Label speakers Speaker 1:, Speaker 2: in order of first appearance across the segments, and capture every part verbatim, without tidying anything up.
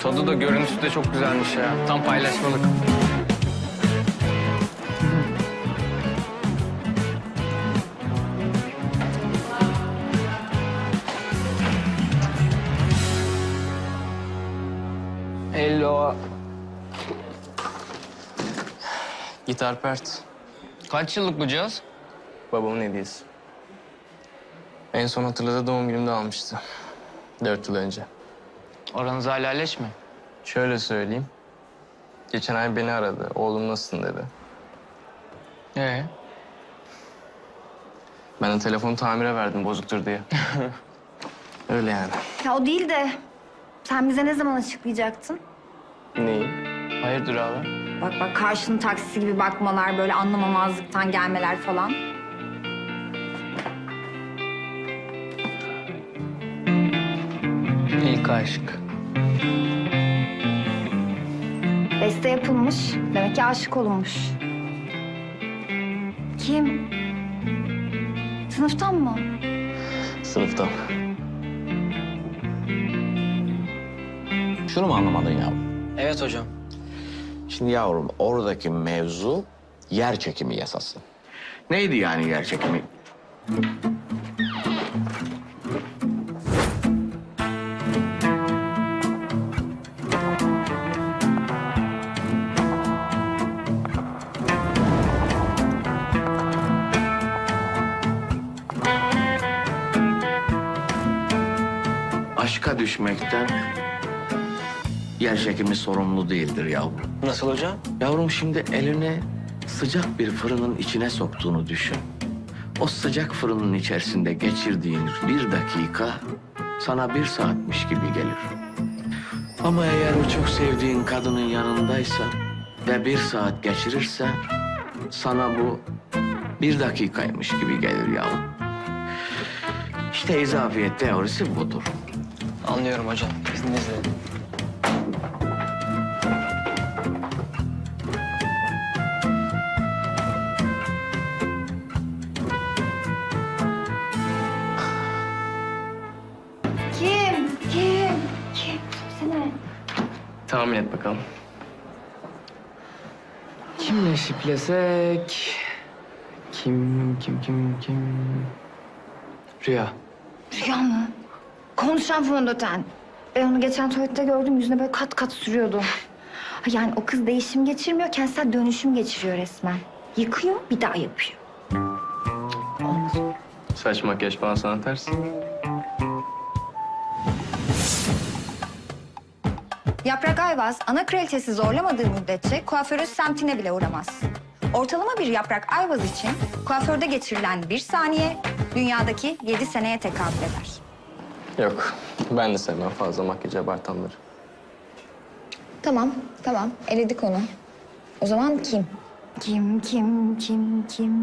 Speaker 1: Tadı da görüntüsü de çok güzelmiş ya. Tam paylaşmalık. Hello.
Speaker 2: Gitar pert.
Speaker 1: Kaç yıllık bu cihaz?
Speaker 2: Babamın hediyesi. En son hatırladığı doğum günümde almıştı. Dört yıl önce.
Speaker 1: Aranız hala leş mi?
Speaker 2: Şöyle söyleyeyim. Geçen ay beni aradı. Oğlum nasılsın dedi.
Speaker 1: Ee?
Speaker 2: Ben de telefonu tamire verdim bozuktur diye. Öyle yani.
Speaker 3: Ya o değil de sen bize ne zaman açıklayacaktın?
Speaker 2: Neyi?
Speaker 1: Hayırdır abi?
Speaker 3: Bak bak karşının taksisi gibi bakmalar, böyle anlamamazlıktan gelmeler falan.
Speaker 1: İlk aşk.
Speaker 3: Beste yapılmış, demek ki aşık olunmuş. Kim? Sınıftan mı?
Speaker 2: Sınıftan.
Speaker 4: Şunu mu anlamadın yavrum?
Speaker 1: Evet hocam.
Speaker 4: Şimdi yavrum oradaki mevzu yer çekimi yasası. Neydi yani yer çekimi? Aşka düşmekten yer çekimi sorumlu değildir yavrum.
Speaker 1: Nasıl hocam?
Speaker 4: Yavrum şimdi elini sıcak bir fırının içine soktuğunu düşün. O sıcak fırının içerisinde geçirdiğin bir dakika sana bir saatmiş gibi gelir. Ama eğer o çok sevdiğin kadının yanındaysa ve bir saat geçirirse sana bu bir dakikaymış gibi gelir yavrum. İşte izafiyet teorisi budur.
Speaker 1: Anlıyorum hocam. İzninizle.
Speaker 3: Kim? Kim? Kim? Söylesene.
Speaker 2: Tahmin et bakalım.
Speaker 1: Kimle şiplesek? Kim, kim, kim, kim? Rüya.
Speaker 3: Rüya mı? Konuşan fondöten. Ben onu geçen tuvalette gördüm, yüzüne böyle kat kat sürüyordu. Ha, yani o kız değişim geçirmiyor, kentsel dönüşüm geçiriyor resmen. Yıkıyor, bir daha yapıyor.
Speaker 2: Saç makyaj falan sana ters.
Speaker 3: Yaprak Ayvaz, ana kraliçesi zorlamadığı müddetçe kuaförün semtine bile uğramaz. Ortalama bir Yaprak Ayvaz için kuaförde geçirilen bir saniye dünyadaki yedi seneye tekabül eder.
Speaker 2: Yok. Ben de sevmem fazla makyaj abartanları.
Speaker 3: Tamam, tamam. Eledik onu. O zaman kim? Kim, kim, kim, kim?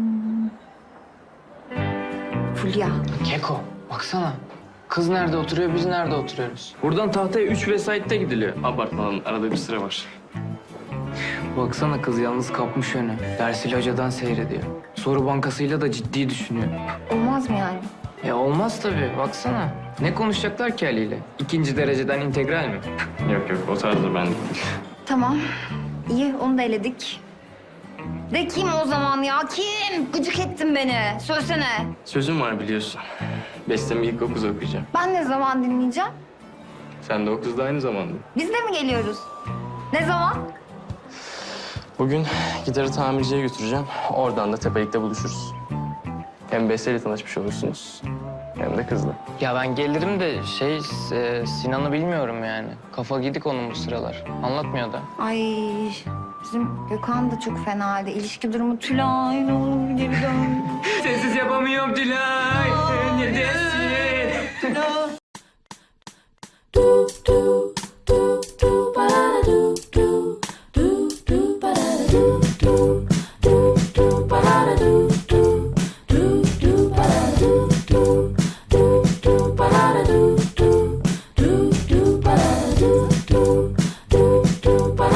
Speaker 3: Fulya.
Speaker 1: Keko. Baksana. Kız nerede oturuyor, biz nerede oturuyoruz?
Speaker 2: Buradan tahtaya üç vesaitte gidiliyor. Abartmadan arada bir sıra var.
Speaker 1: Baksana kız yalnız kapmış önü. Dersiyle hocadan seyrediyor. Soru bankasıyla da ciddi düşünüyor.
Speaker 3: Olmaz mı yani?
Speaker 1: Ya olmaz tabii. Baksana. Ne konuşacaklar ki Ali'yle? İkinci dereceden integral mi?
Speaker 2: Yok yok o tarzda ben değil.
Speaker 3: Tamam. İyi, onu da eledik. De kim o zaman ya? Kim? Gıcık ettin beni. Söylesene.
Speaker 2: Sözüm var biliyorsun. Bestemi ilk o kız okuyacağım.
Speaker 3: Ben ne zaman dinleyeceğim?
Speaker 2: Sen de o kızla aynı zamanda.
Speaker 3: Biz de mi geliyoruz? Ne zaman?
Speaker 2: Bugün gitarı tamirciye götüreceğim. Oradan da tepelikte buluşuruz. Hem Beste'yle tanışmış olursunuz hem de kızla.
Speaker 1: Ya ben gelirim de şey e, Sinan'ı bilmiyorum yani. Kafa gidik onun bu sıralar. Anlatmıyor da.
Speaker 3: Ay bizim Gökhan da çok fena halde. İlişki durumu Tülay ne olur geri dön.
Speaker 1: Sensiz yapamıyorum Tülay. Neredesin?